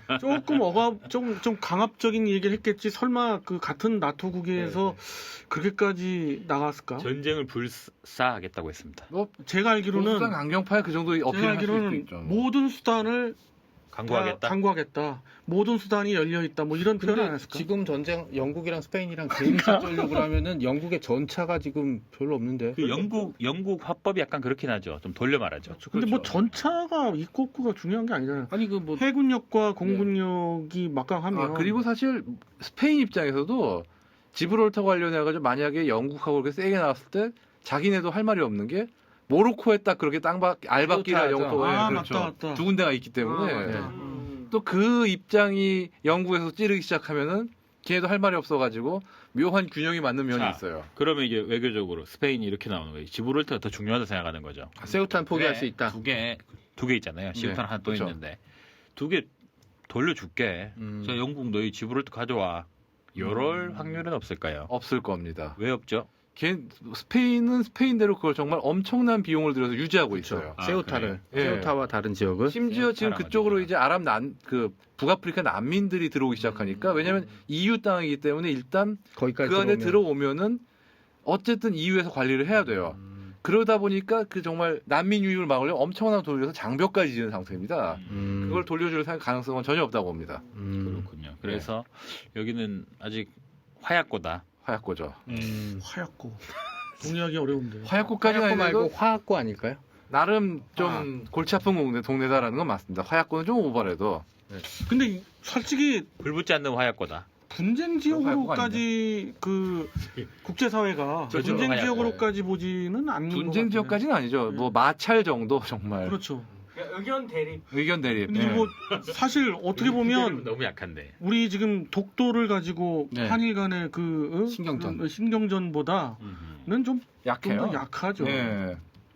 [SPEAKER 3] 좀 강압적인 얘기를 했겠지. 설마 그 같은 나토국에서 그렇게까지 나갔을까?
[SPEAKER 2] 전쟁을 불사하겠다고 했습니다.
[SPEAKER 5] 뭐
[SPEAKER 3] 제가 알기로는
[SPEAKER 5] 보수당 강경파에 그 정도
[SPEAKER 3] 제가
[SPEAKER 5] 어필할 수도
[SPEAKER 3] 알기로는
[SPEAKER 5] 있죠.
[SPEAKER 3] 모든 수단을
[SPEAKER 2] 강구하겠다.
[SPEAKER 3] 강구하겠다. 모든 수단이 열려 있다. 뭐 이런 표현 안
[SPEAKER 1] 근데
[SPEAKER 3] 했을까?
[SPEAKER 1] 지금 전쟁 영국이랑 스페인이랑 개인 싸우려고 하면은 영국의 전차가 지금 별로 없는데.
[SPEAKER 2] 그 영국 화법이 약간 그렇긴 하죠. 좀 돌려 말하죠.
[SPEAKER 3] 근데 뭐 전차가 있고 없고가 중요한 게 아니잖아요.
[SPEAKER 1] 아니 그 뭐
[SPEAKER 3] 해군력과 공군력이 막강하면
[SPEAKER 5] 아, 그리고 사실 스페인 입장에서도 지브롤터 관련해가지고 만약에 영국하고 그렇게 세게 나왔을 때 자기네도 할 말이 없는 게 모로코에 딱 그렇게 알박기라
[SPEAKER 1] 그렇죠.
[SPEAKER 5] 영토
[SPEAKER 3] 아,
[SPEAKER 5] 그렇죠.
[SPEAKER 3] 맞다.
[SPEAKER 5] 두 군데가 있기
[SPEAKER 3] 아,
[SPEAKER 5] 때문에
[SPEAKER 3] 맞다.
[SPEAKER 5] 또 그 입장이 영국에서 찌르기 시작하면은 걔네도 할 말이 없어가지고 묘한 균형이 맞는 면이
[SPEAKER 2] 자,
[SPEAKER 5] 있어요.
[SPEAKER 2] 그러면 이제 외교적으로 스페인이 이렇게 나오는 거예요. 지브롤터가 더 중요하다 생각하는 거죠.
[SPEAKER 1] 세우탄 포기할
[SPEAKER 2] 그래,
[SPEAKER 1] 수 있다.
[SPEAKER 2] 두 개 있잖아요. 시우탄 하나 또
[SPEAKER 5] 그렇죠.
[SPEAKER 2] 있는데 두 개 돌려줄게.
[SPEAKER 1] 음.
[SPEAKER 2] 자, 영국 너희 지브롤터 가져와. 이럴 확률은 없을까요?
[SPEAKER 5] 없을 겁니다.
[SPEAKER 2] 왜 없죠?
[SPEAKER 5] 스페인은 스페인대로 그걸 정말 엄청난 비용을 들여서 유지하고 있어요.
[SPEAKER 2] 아,
[SPEAKER 1] 세우타를
[SPEAKER 5] 그래요? 예.
[SPEAKER 1] 세우타와 다른 지역을
[SPEAKER 5] 심지어 지금
[SPEAKER 2] 세우타라고
[SPEAKER 5] 그쪽으로
[SPEAKER 2] 하죠.
[SPEAKER 5] 이제 북아프리카 난민들이 들어오기 시작하니까 왜냐하면 EU 땅이기 때문에 일단
[SPEAKER 1] 거기까지
[SPEAKER 5] 그 안에
[SPEAKER 1] 들어오면.
[SPEAKER 5] 들어오면은 어쨌든 EU에서 관리를 해야 돼요. 그러다 보니까 그 정말 난민 유입을 막으려면 엄청난 돈을 들여서 장벽까지 지은 상태입니다. 그걸 돌려줄 가능성은 전혀 없다고 봅니다.
[SPEAKER 2] 그렇군요. 그래서 여기는 아직 화약고다.
[SPEAKER 5] 화약고죠.
[SPEAKER 3] 화약고. 동의하기 어려운데.
[SPEAKER 5] 화약고까지는
[SPEAKER 1] 화약고
[SPEAKER 5] 아니고
[SPEAKER 1] 말고 화학고 아닐까요?
[SPEAKER 5] 나름 좀 골치 아픈 동네다라는 건 맞습니다. 화약고는 좀 오버래도.
[SPEAKER 3] 근데 솔직히
[SPEAKER 2] 불 붙지 않는 화약고다.
[SPEAKER 3] 분쟁 지역으로까지 그 국제사회가
[SPEAKER 2] 그렇죠.
[SPEAKER 3] 분쟁
[SPEAKER 2] 화약고.
[SPEAKER 3] 지역으로까지 보지는 않는 것
[SPEAKER 5] 분쟁
[SPEAKER 3] 같아요.
[SPEAKER 5] 지역까지는 아니죠. 뭐 마찰 정도 정말
[SPEAKER 3] 그렇죠.
[SPEAKER 4] 그러니까 의견 대립.
[SPEAKER 5] 의견 대립.
[SPEAKER 3] 근데
[SPEAKER 5] 네.
[SPEAKER 3] 뭐 사실 어떻게 보면
[SPEAKER 2] 너무 약한데.
[SPEAKER 3] 우리 지금 독도를 가지고
[SPEAKER 5] 네.
[SPEAKER 3] 한일 간의
[SPEAKER 1] 신경전.
[SPEAKER 3] 그 신경전보다는 좀
[SPEAKER 5] 약해요.
[SPEAKER 3] 더 약하죠.
[SPEAKER 5] 네.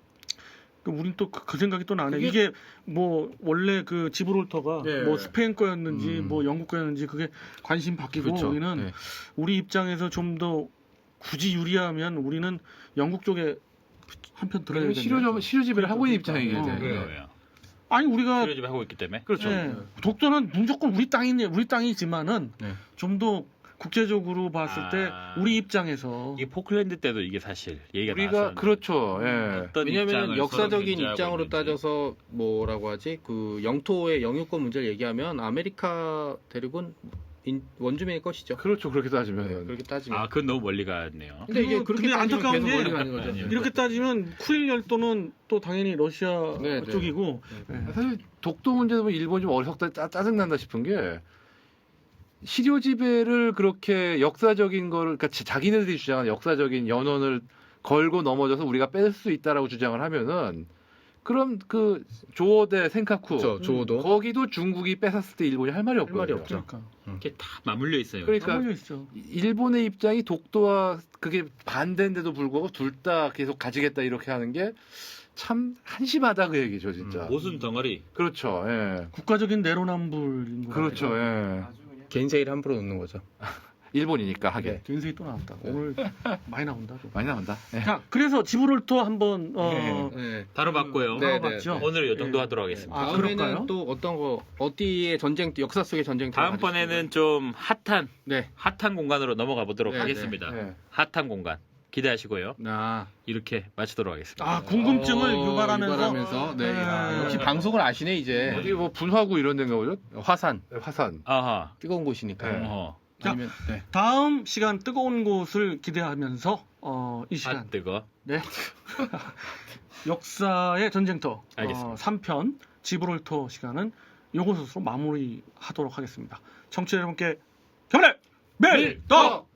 [SPEAKER 3] 우린 또 그 생각이 또 나네.
[SPEAKER 1] 그게-
[SPEAKER 3] 이게 뭐 원래 그 지브롤터가
[SPEAKER 5] 네.
[SPEAKER 3] 뭐 스페인 거였는지
[SPEAKER 1] 음.
[SPEAKER 3] 뭐 영국 거였는지 그게 관심 바뀌고
[SPEAKER 1] 그렇죠.
[SPEAKER 3] 우리는
[SPEAKER 1] 네.
[SPEAKER 3] 우리 입장에서 좀 더 굳이 유리하면 우리는 영국 쪽에 한편 들어야 되는
[SPEAKER 5] 시료 지배를 하고 있는 입장이기
[SPEAKER 3] 어.
[SPEAKER 5] 때문에.
[SPEAKER 2] 그래요.
[SPEAKER 3] 아니 우리가
[SPEAKER 2] 치료집 하고 있기 때문에.
[SPEAKER 5] 그렇죠.
[SPEAKER 3] 예, 독도는 무조건 우리 땅이지만은
[SPEAKER 1] 네.
[SPEAKER 3] 좀 더 국제적으로 봤을 때 우리 입장에서
[SPEAKER 2] 이게 포클랜드 때도 이게 사실 얘기가
[SPEAKER 5] 우리가
[SPEAKER 2] 나왔었는데
[SPEAKER 5] 그렇죠. 예.
[SPEAKER 2] 어떤
[SPEAKER 1] 왜냐하면
[SPEAKER 2] 입장을
[SPEAKER 1] 역사적인
[SPEAKER 2] 서로
[SPEAKER 1] 입장으로
[SPEAKER 2] 견제하고
[SPEAKER 1] 따져서 뭐라고 하지 그 영토의 영유권 문제를 얘기하면 아메리카 대륙은 원주민의 것이죠.
[SPEAKER 5] 그렇죠. 그렇게 따지면.
[SPEAKER 1] 그렇게 따지면.
[SPEAKER 2] 아, 그건 너무 멀리 갔네요.
[SPEAKER 1] 근데 이게 그렇게
[SPEAKER 3] 근데
[SPEAKER 1] 따지면
[SPEAKER 3] 안타까운
[SPEAKER 1] 계속
[SPEAKER 3] 게
[SPEAKER 1] 멀리 가는 거죠.
[SPEAKER 2] 아니에요.
[SPEAKER 3] 이렇게 따지면 쿠릴 열도는 또 당연히 러시아
[SPEAKER 1] 네, 네.
[SPEAKER 3] 쪽이고 예.
[SPEAKER 5] 사실 독도 문제 보면 일본 좀 어리석다 짜증난다 싶은 게 시료 지배를 그렇게 역사적인 거를 그러니까 자기네들이 주장하는 역사적인 연원을 걸고 넘어져서 우리가 뺄 수 있다라고 주장을 하면은 그럼 그 조어대 센카쿠
[SPEAKER 1] 그렇죠. 조어도.
[SPEAKER 5] 거기도 중국이 뺏었을 때 일본이 할 말이 없거든요.
[SPEAKER 1] 말이 없죠.
[SPEAKER 3] 그러니까
[SPEAKER 2] 이게 다 맞물려 있어요.
[SPEAKER 5] 그러니까
[SPEAKER 3] 다 몰려 있죠.
[SPEAKER 5] 일본의 입장이 독도와 그게 반대인데도 불구하고 둘 다 계속 가지겠다 이렇게 하는 게 참 한심하다 그 얘기죠 진짜.
[SPEAKER 2] 모순 덩어리.
[SPEAKER 5] 그렇죠. 예.
[SPEAKER 3] 국가적인 내로남불인 거
[SPEAKER 5] 그렇죠. 예.
[SPEAKER 1] 개인 세일 함부로 놓는 거죠.
[SPEAKER 5] 일본이니까 하게.
[SPEAKER 1] 네.
[SPEAKER 3] 개인세이 또 나왔다. 오늘 많이 나온다. 좀.
[SPEAKER 5] 많이 나온다. 예.
[SPEAKER 3] 자, 그래서 지브롤터 한번
[SPEAKER 1] 네.
[SPEAKER 2] 다뤄봤고요.
[SPEAKER 1] 네,
[SPEAKER 3] 다뤄봤죠.
[SPEAKER 2] 오늘 이 정도
[SPEAKER 3] 예.
[SPEAKER 2] 하도록 하겠습니다.
[SPEAKER 3] 아,
[SPEAKER 1] 다음에는
[SPEAKER 3] 그럴까요?
[SPEAKER 1] 또 어떤 거 어디의 전쟁 역사 속의 전쟁
[SPEAKER 2] 다음번에는 좀 핫한
[SPEAKER 1] 네.
[SPEAKER 2] 공간으로 넘어가 보도록
[SPEAKER 1] 네,
[SPEAKER 2] 하겠습니다.
[SPEAKER 5] 네.
[SPEAKER 2] 핫한 공간 기대하시고요.
[SPEAKER 1] 아,
[SPEAKER 2] 이렇게 마치도록 하겠습니다.
[SPEAKER 3] 아, 궁금증을 유발하면서
[SPEAKER 1] 네. 아, 역시 방송을 아시네 이제.
[SPEAKER 5] 어디 뭐 분화구 이런 데인가 보죠?
[SPEAKER 1] 화산
[SPEAKER 5] 네, 화산.
[SPEAKER 2] 아하.
[SPEAKER 1] 뜨거운 곳이니까.
[SPEAKER 5] 네.
[SPEAKER 2] 어허.
[SPEAKER 3] 자,
[SPEAKER 1] 아니면 네.
[SPEAKER 3] 다음 시간 뜨거운 곳을 기대하면서 이
[SPEAKER 2] 아
[SPEAKER 3] 시간
[SPEAKER 2] 뜨거.
[SPEAKER 3] 네. 역사의 전쟁터
[SPEAKER 2] 알겠습니다.
[SPEAKER 3] 3편 지브롤터 시간은 요것으로 마무리하도록 하겠습니다. 청취자 여러분께 경례 멜떡